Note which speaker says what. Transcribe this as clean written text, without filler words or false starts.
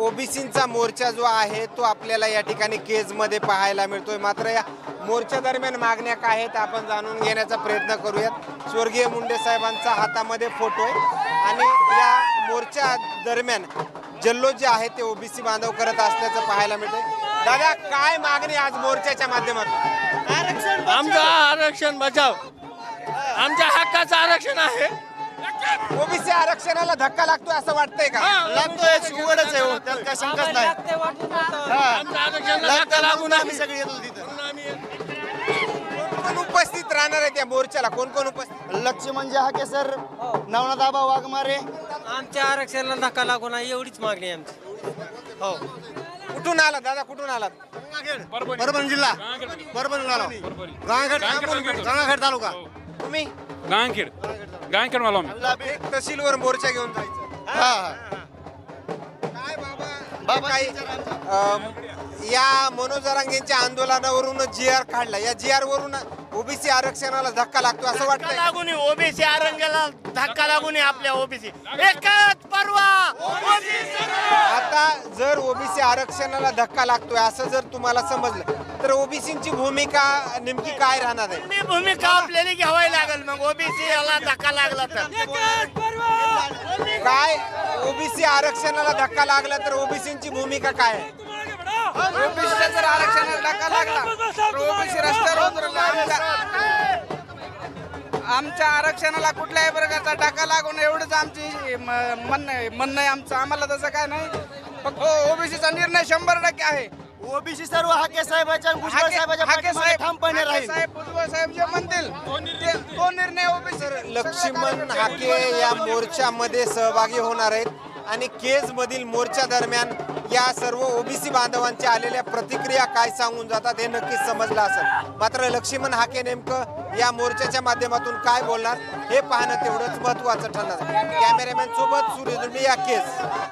Speaker 1: ओबीसींचा मोर्चा जो आहे तो आपल्याला या ठिकाणी केजमध्ये पाहायला मिळतोय. मात्र या मोर्चा दरम्यान मागण्या काय आहेत आपण जाणून घेण्याचा प्रयत्न करूयात. स्वर्गीय मुंडे साहेबांचा हातामध्ये फोटो आहे आणि या मोर्चा दरम्यान जल्लोष जे आहे ते ओबीसी बांधव करत असल्याचं पाहायला मिळतंय. दादा, काय मागणी आज मोर्चाच्या माध्यमातून?
Speaker 2: आमचं आरक्षण बचाव, आमच्या हक्काचं आरक्षण आहे.
Speaker 1: ओबीसी आरक्षणाला धक्का लागतोय असं वाटतंय का?
Speaker 3: लागतोय, उघडच आहे हो, त्यात काय शंकाच नाही.
Speaker 2: आमच्या आरक्षणाला धक्का लागून
Speaker 3: आम्ही सगळे येतो तिथं.
Speaker 1: कोण उपस्थित राहणार आहे त्या मोर्चाला? कोण कोण उपस्थित?
Speaker 3: लक्ष्मण हाके सर, नवनाथ आबा वाघमारे.
Speaker 4: आमच्या आरक्षणाला धक्का लागू नये एवढीच मागणी आहे आमची.
Speaker 3: हो.
Speaker 1: कुठून आलात दादा, कुठून आलात?
Speaker 3: परभणी जिल्हा, परभणी गंगाखेड तालुका.
Speaker 1: तुम्ही
Speaker 5: गांगखेड मला
Speaker 1: एक तहसीलवर मोर्चा घेऊन जायचं.
Speaker 3: हा.
Speaker 1: काय बाबा
Speaker 3: बाबा
Speaker 1: काही या मनोज जरांगेंच्या आंदोलनावरून जी.आर. काढला, या जी.आर. वरून ओबीसी आरक्षणाला धक्का लागतो असं वाटतं?
Speaker 3: लागून ओबीसी आरंगाला धक्का लागून आपल्या ओबीसी एकच परवा.
Speaker 1: आता जर ओबीसी आरक्षणाला धक्का लागतोय असं जर तुम्हाला समजलं तर ओबीसींची भूमिका नेमकी काय राहणार आहे?
Speaker 3: ही भूमिका आपल्याला घ्यावी लागेल. मग ओबीसी याला धक्का लागला तर
Speaker 1: काय ओबीसी आरक्षणाला धक्का लागला तर ओबीसींची भूमिका काय आहे?
Speaker 6: ओबीसीला जर आरक्षणाला धक्का लागला तर ओबीसी रस्त्यावर उतरला. आमच्या आरक्षणाला कुठल्याही प्रकारचा धक्का लागून एवढंच आमची म्हणणं आहे आमचं. आम्हाला तसं काय नाही, फक्त ओबीसीचा निर्णय 100% आहे.
Speaker 3: ओबीसी सर्व हाके साहेबांच्या भुजबळ साहेबांच्या पाठीमागे ठामपणे राहील.
Speaker 6: भुजबळ साहेब जे म्हणतील तो निर्णय ओबीसी.
Speaker 1: लक्ष्मण हाके या मोर्चामध्ये सहभागी होणार आहेत आणि केज मधील मोर्चा दरम्यान या सर्व ओबीसी बांधवांच्या आलेल्या प्रतिक्रिया काय सांगून जातात हे नक्कीच समजलं असेल. मात्र लक्ष्मण हाके नेमकं या मोर्चाच्या माध्यमातून काय बोलणार हे पाहणं तेवढंच महत्त्वाचं ठरणार. कॅमेरामॅन सोबत सूर्य दुर्मी, या केज.